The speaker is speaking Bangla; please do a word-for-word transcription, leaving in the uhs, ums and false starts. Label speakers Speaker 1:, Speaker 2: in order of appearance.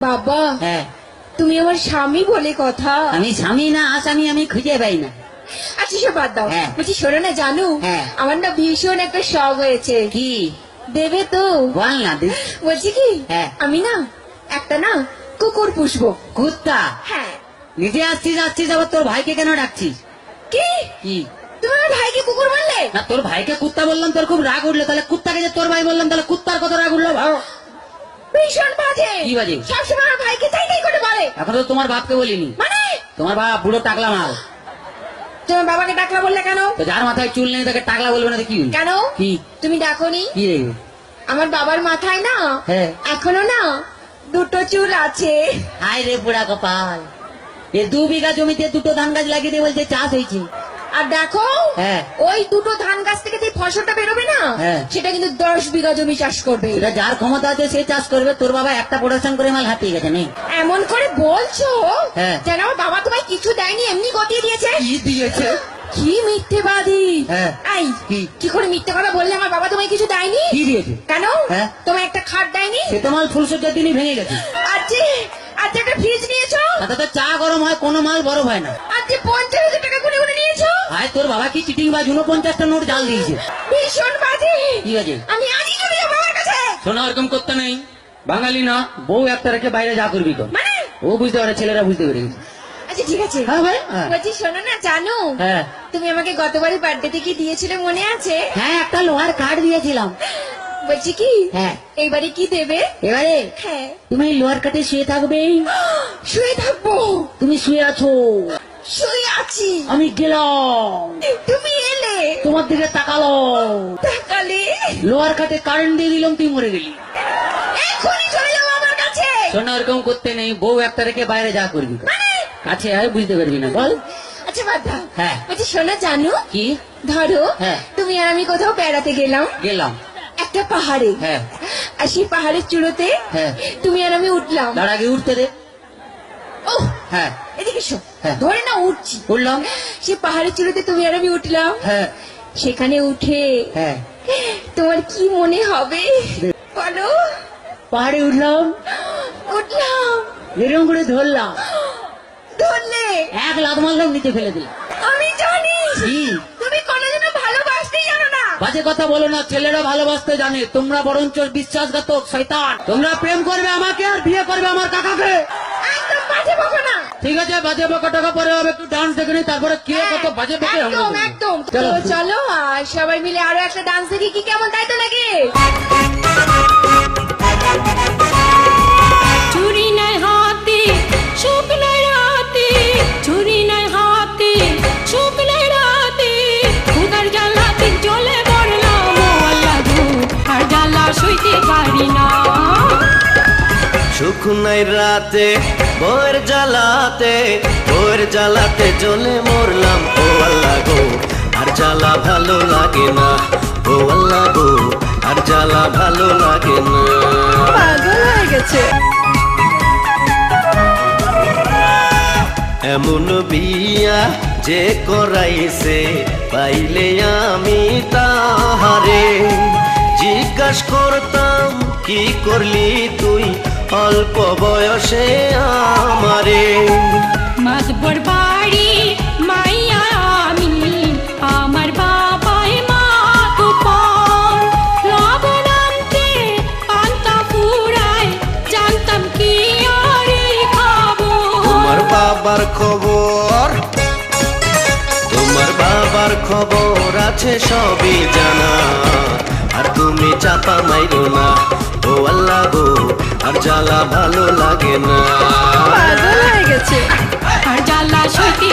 Speaker 1: বাবা
Speaker 2: হ্যাঁ
Speaker 1: তুমি আমার স্বামী বলে কথা।
Speaker 2: আমি স্বামী না আসামি আমি খুঁজে পাই না।
Speaker 1: আচ্ছা সে বাদ দাও,
Speaker 2: হ্যাঁ।
Speaker 1: বলছি শোনো না জানু,
Speaker 2: হ্যাঁ।
Speaker 1: আমার না ভীষণ একটা শখ হয়েছে।
Speaker 2: কি
Speaker 1: দেবে তো?
Speaker 2: বল না দিস।
Speaker 1: বলছি কি
Speaker 2: হ্যাঁ।
Speaker 1: আমি না একটা না কুকুর পুষবো।
Speaker 2: কুত্তা?
Speaker 1: হ্যাঁ।
Speaker 2: নিজে আসছিস আসছিস আবার তোর ভাইকে কেন ডাকছিস?
Speaker 1: কি
Speaker 2: কি
Speaker 1: তুমি আমার ভাইকে কুকুর বললে?
Speaker 2: না তোর ভাইকে কুত্তা বললাম তোর খুব রাগ উঠলো, তাহলে কুত্তাকে যে তোর ভাই বললাম তাহলে কুত্তার কত রাগ উঠলো ভাও।
Speaker 1: ভীষণ বাজে।
Speaker 2: কি বাজে?
Speaker 1: সবসময় আমার ভাইকে তাই তাই করে বলে।
Speaker 2: এখন তো তোমার বাপকে বলিনি।
Speaker 1: মানে
Speaker 2: তোমার বাপ বুড়ো টাকলা মাল।
Speaker 1: তোমার বাবাকে ডাকলা বললে কেন?
Speaker 2: তো যার মাথায় চুল নেই তাকে টাকলা বলবে না তো কি হলো?
Speaker 1: কেন
Speaker 2: কি
Speaker 1: তুমি ডাকোনি?
Speaker 2: কি রে?
Speaker 1: আমার বাবার মাথায় না
Speaker 2: হ্যাঁ।
Speaker 1: এখনো না দুটো চুল আছে।
Speaker 2: হায় রে বুড়া কপাল, এ দু বিঘা জমিতে দুটো ধান গাছ লাগিয়ে দিয়ে বলছে চাষ হয়েছে।
Speaker 1: আর দেখো
Speaker 2: হ্যাঁ।
Speaker 1: ওই দুটো ধান গাছ থেকে যে ফসলটা বেরোবে না,
Speaker 2: হ্যাঁ।
Speaker 1: সেটা কিন্তু দশ বিঘা জমি চাষ করবে।
Speaker 2: এটা যার ক্ষমতা আছে সে চাষ করবে। তোর বাবা একটা প্রোডাকশন করে মাল হাতিয়ে গেছে নেই।
Speaker 1: এমন করে বলছো
Speaker 2: হ্যাঁ।
Speaker 1: যেন আমার বাবা তোমায় কিছু দেয়নি, এমনি গতিয়ে দিয়েছে।
Speaker 2: কি দিয়েছে?
Speaker 1: কি মিথ্যেবাদী।
Speaker 2: হ্যাঁ।
Speaker 1: এই
Speaker 2: কি?
Speaker 1: কি করে মিথ্যে কথা বললে আমার বাবা তোমায় কিছু দেয়নি?
Speaker 2: কি দিয়েছে?
Speaker 1: কেন
Speaker 2: হ্যাঁ।
Speaker 1: তোমায় একটা খাট দেয়নি?
Speaker 2: সে তো মাল ফুলসজ্জার দিনই ভেঙে গেছে।
Speaker 1: আজকে আজকে একটা ফ্রিজ নিয়েছো,
Speaker 2: তাতে তো চা গরম হয়, কোনো মাল বরফ হয় না।
Speaker 1: আজকে পঞ্চাশ হাজার টাকা গুনে গুনে নিয়েছো।
Speaker 2: ভাই তোর বাবা কি চিটিং বাজ, উনপঞ্চাশটা নোট জাল দিয়েছে।
Speaker 1: ভীষণ বাজে।
Speaker 2: কি আছে?
Speaker 1: আমি আজই চলে যাবো বাবার কাছে।
Speaker 2: শোনা ওরকম করতে নেই, বাঙালি না, বউ একটা রেখে বাইরে যা করবি কর।
Speaker 1: মানে
Speaker 2: ও বুঝতে পারে, ছেলেরা বুঝতে পেরে গেছে।
Speaker 1: আচ্ছা ঠিক আছে।
Speaker 2: হ্যাঁ ভাই, হ্যাঁ।
Speaker 1: বলছি শোনো না জানো,
Speaker 2: হ্যাঁ
Speaker 1: তুমি আমাকে গতবারই বার্থডেতে কি দিয়েছিলে মনে আছে?
Speaker 2: হ্যাঁ একটা লোহার কাঠ দিয়েছিলাম।
Speaker 1: বলছি কি
Speaker 2: হ্যাঁ।
Speaker 1: এইবারে কি দেবে?
Speaker 2: এবারে
Speaker 1: হ্যাঁ।
Speaker 2: তুমি লোহার কাঠে শুয়ে থাকবে।
Speaker 1: শুয়ে থাকবো?
Speaker 2: তুমি শুয়ে আছো,
Speaker 1: শুয়ে আছি,
Speaker 2: আমি গেলাম,
Speaker 1: তুমি এলে,
Speaker 2: তোমার দিকে তাকালো,
Speaker 1: তাকালে
Speaker 2: লোহার কাঠে কারেন্ট দিয়ে দিলাম, তুই মরে গেলি।
Speaker 1: এখনই চলে যাবো আমার কাছে।
Speaker 2: শোনা ওরকম করতে নেই, বউ একটা রেখে বাইরে যা করবি কর।
Speaker 1: মানে
Speaker 2: কাছে আয়, বুঝতে পারবি না, বল।
Speaker 1: আচ্ছা বাদ দাও।
Speaker 2: হ্যাঁ।
Speaker 1: বলছি শোনো জানো,
Speaker 2: কি?
Speaker 1: ধরো
Speaker 2: হ্যাঁ।
Speaker 1: তুমি আর আমি কোথাও বেড়াতে গেলাম
Speaker 2: গেলাম।
Speaker 1: একটা পাহাড়ে।
Speaker 2: হ্যাঁ।
Speaker 1: আর সেই পাহাড়ের চূড়োতে
Speaker 2: হ্যাঁ।
Speaker 1: তুমি আর আমি উঠলাম।
Speaker 2: তার আগে উঠতে দে।
Speaker 1: ও
Speaker 2: হ্যাঁ।
Speaker 1: এদিকে এসো।
Speaker 2: হ্যাঁ।
Speaker 1: ধরে না উঠছি।
Speaker 2: উঠলাম।
Speaker 1: সে পাহাড়ের চূড়োতে তুমি আর আমি উঠলাম।
Speaker 2: হ্যাঁ।
Speaker 1: সেখানে উঠে
Speaker 2: হ্যাঁ।
Speaker 1: তোমার কি মনে হবে বলো?
Speaker 2: পাহাড়ে উঠলাম,
Speaker 1: উঠলাম,
Speaker 2: এরকম করে ধরলাম,
Speaker 1: ধরলে
Speaker 2: এক লাখ মারলাম, নিচে ফেলে দিলাম।
Speaker 1: আমি জানি
Speaker 2: কি?
Speaker 1: তুমি কোনোদিনও ভালোবাসতেই জানো না।
Speaker 2: বাজে কথা বলো না, ছেলেরা ভালোবাসতে জানে, তোমরা বরঞ্চ বিশ্বাসঘাতক শয়তান। তোমরা প্রেম করবে আমাকে আর বিয়ে করবে আমার কাকাকে।
Speaker 1: একদম বাজে বকো না।
Speaker 2: ঠিক আছে, বাজে বকা টাকা পরে হবে, একটু ডান্স দেখে নি, তারপরে কে কত বাজে বকে আমরা
Speaker 1: একদম
Speaker 2: দেখবো।
Speaker 1: একদম।
Speaker 2: চলো।
Speaker 1: তো চলো আর সবাই মিলে আরো একটা ডান্স দেখি, কি কেমন, তাই তো নাকি?
Speaker 3: চুরি নাই হাতে সুখ নাই রাতে, চুরি নাই হাতে সুখ নাই রাতে, খুদার জ্বালাতে জ্বলে মরলাম ও আল্লাহ গো, আর জ্বালা সইতে পারি না।
Speaker 4: সুখ নাই রাতে বউয়ের জ্বালাতে, বউয়ের জ্বালাতে জ্বলে মরলাম ও আল্লাহ গো, আর জ্বালা ভালো লাগে না ও আল্লাহ গো, আর জ্বালা ভালো লাগে না।
Speaker 3: পাগল হয়ে গেছে।
Speaker 4: এমন বিয়া যে করাইছে, পাইলে আমি তাহারে জিজ্ঞাস করতাম কি করলি তুই অল্প বয়সে আমারে।
Speaker 3: মাতবর বাড়ি মাইয়া আমি, আমার বাবাই মা গোপাল, লবণ আনতে পান্তা ফুরায়, জানতাম কি আরে খাবো।
Speaker 4: তোমার বাবার খবর, তোমার বাবার খবর আছে সবই জানা, আর তুমি চাপা মাইরো না ও আল্লাহ গো, আর জ্বালা ভালো লাগে না।
Speaker 3: পাগল হয়ে গেছে। আর জ্বালা সইতে